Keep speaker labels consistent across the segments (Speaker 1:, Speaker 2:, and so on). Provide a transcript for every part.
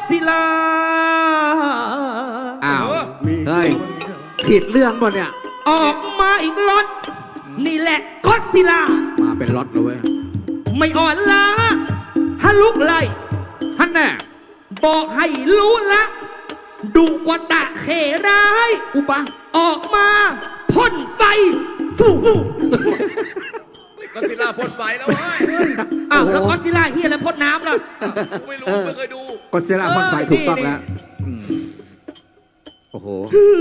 Speaker 1: ซิลลา
Speaker 2: อ้าวเฮ้ยผิดเรื่องป่ะเนี่ย
Speaker 1: ออกมาอีกล็อตนี่แหละก็อดซิลลา
Speaker 2: มาเป็นล็อตเลยเว้ย
Speaker 1: ไม่อ่อนล้าฮะลุกไล่
Speaker 2: ท่านแน่
Speaker 1: บอกให้รู้ละดุกว่าตะเขร้าย
Speaker 2: อุปะ
Speaker 1: ออกมาพ่นไฟฟูฟู
Speaker 3: ก็ซิลล่าพ่นไฟแล้วเว้ย
Speaker 1: อ้าวแล้วก็อดซิลลาเฮียแล้วพ่นน้ำล่ะ
Speaker 3: กูไม่รู้ไม่เคยดู
Speaker 2: ก็เซราพ่นไฟถูกต้องแล้วโอ้โห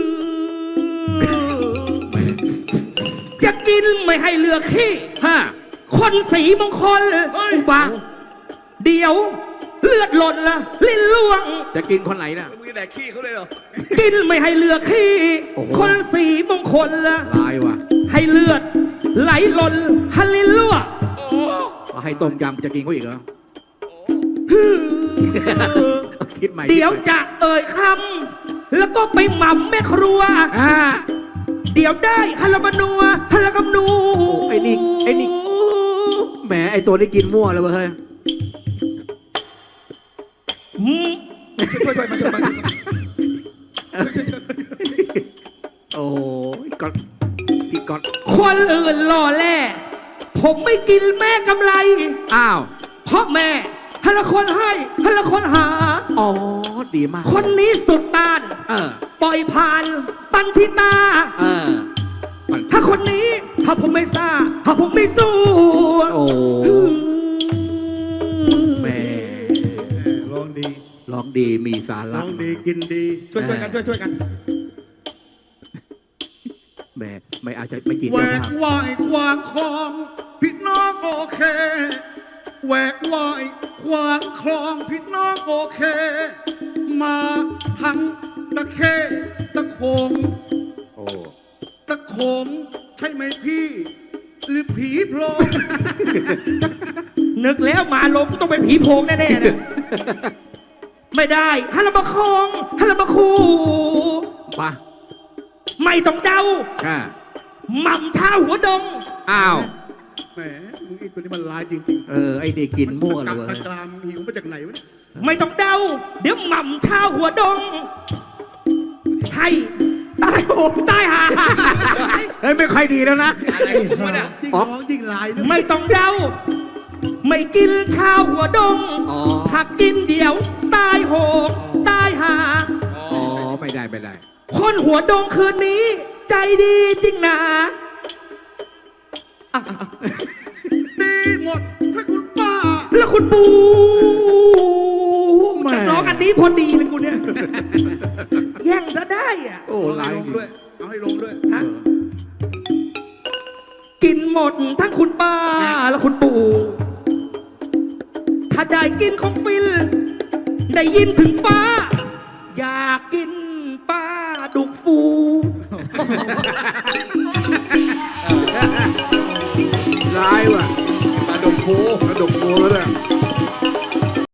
Speaker 1: จะกินไม่ให้เหลือขี้
Speaker 2: ห้า
Speaker 1: คนสีมงคล
Speaker 2: อุปะ
Speaker 1: เดี๋ยวเลือดหล่นละลิ้นล่วง
Speaker 2: จะกินคนไหนน่ะ
Speaker 3: มึงแดกขี้เขาเลยเหรอ
Speaker 1: กินไม่ให้เหลือขี้
Speaker 2: โอ้โห
Speaker 1: คนสีมงคลละ
Speaker 2: ลายว่ะ
Speaker 1: ให้เลือดไหลหล่นฮันลิ้นล่วง
Speaker 3: โอ้โห
Speaker 2: เอาให้ต้มยำจะกินเขาอีกเหรอ คิดใหม่
Speaker 1: เดี๋ยวจะเอ่ยคำแล้วก็ไปหม่ำแม่ครัว
Speaker 2: อ่า
Speaker 1: เดี๋ยวได้ฮัลโลบานัวฮัลโลกำนู
Speaker 2: ไอ้นี่แหมไอ้ตัวนี้กินมั่วเลยเว้ยเฮ้ย
Speaker 1: อืมช่วยมาช่วยมา
Speaker 2: โอ้ยก๊อตพี่ก๊อต
Speaker 1: คนอื่นหล่อแล่ผมไม่กินแม่กำไร
Speaker 2: อ้าว
Speaker 1: เพราะแม่ฮัลโหลคนให้ฮัลโหลคนหา
Speaker 2: อ๋อดีมาก
Speaker 1: คนนี้สุดต้าน
Speaker 2: เออ
Speaker 1: ปล่อยผ่านปันทิตา
Speaker 2: เออ
Speaker 1: ถ้าคนนี้ถ้าผมไม่ซ่าถ้าผมไม่สู้
Speaker 2: โอ้แม่
Speaker 4: ร้องดี
Speaker 2: ร้องดีมีสา
Speaker 4: ร้
Speaker 2: ระ
Speaker 4: องดีกินดี
Speaker 1: ช่วยกันช่วยกัน
Speaker 2: แม่ไม่อาจจะไม่กิน
Speaker 4: แหว
Speaker 2: เจ้าก ภาพ
Speaker 4: ว่ายควางคลองพี่น้องโอเคแหวกว่ายควางคลองพี่น้องโอเค มาทั้งตะเคตะโขง
Speaker 2: โอ้
Speaker 4: ตะโขงใช่ไหมพี่ หรือผีโพรง
Speaker 1: นึกแล้วมาลงต้องเป็นผีโพงแน่ๆนะไม่ได้ฮัลโหลมาคงฮัลโหลมาคู
Speaker 2: ปะ
Speaker 1: ไม่ต้องเดา
Speaker 2: อ่า
Speaker 1: หม่ำท่าหัวดง
Speaker 2: อ้าว
Speaker 4: แหมมึงไอ้ตัวนี้มันร้ายจริง
Speaker 2: เออไอ้นี่กิน
Speaker 4: ๆ
Speaker 2: มั่ว
Speaker 4: มัน
Speaker 2: เลย
Speaker 4: กั
Speaker 2: เว้
Speaker 4: ด
Speaker 2: ย
Speaker 4: ตะกรามหิวมาจากไหนวะเนี่ย
Speaker 1: ไม่ต้องเดา เดี๋ยวหม่ำท่าหัวดง ให้ตายโหงตายหา
Speaker 2: เฮ้ยไม่ค่อยดีแล้วนะ
Speaker 3: อะไรของมึงเนี่ย
Speaker 4: ยิ่งร้องยิ่งร้ายด้วย
Speaker 1: ไม่ต้องเดา ไม่กินชาวหัวดง
Speaker 2: อ๋อ
Speaker 1: ถ้ากินเดี๋ยวตายโหงตายหา
Speaker 2: อ๋อไม่ได้ไม่ได้
Speaker 1: คนหัวดงคืนนี้ ใจดีจริงนะอ่ะ
Speaker 4: ดีหมดถ้าคุณป้า
Speaker 1: แล้วคุณปู
Speaker 2: แม่
Speaker 1: จะร้องอันนี้พอดีเลยกูเนี่ย แย่งซะได้อ่ะ
Speaker 2: โอ้
Speaker 4: เอา
Speaker 2: ลา
Speaker 4: ให้
Speaker 2: ย
Speaker 4: ลงด้วย เอาให้ลงด้วย
Speaker 1: ฮะกินหมดทั้งคุณป้าและคุณปู่ ถ้าได้กินของฟิลได้ยินถึงฟ้า อยากกินป้าดุกฟู
Speaker 2: ร้ายว่ะ
Speaker 3: มาดมโค
Speaker 2: กระดกโคแล้วเนี่ย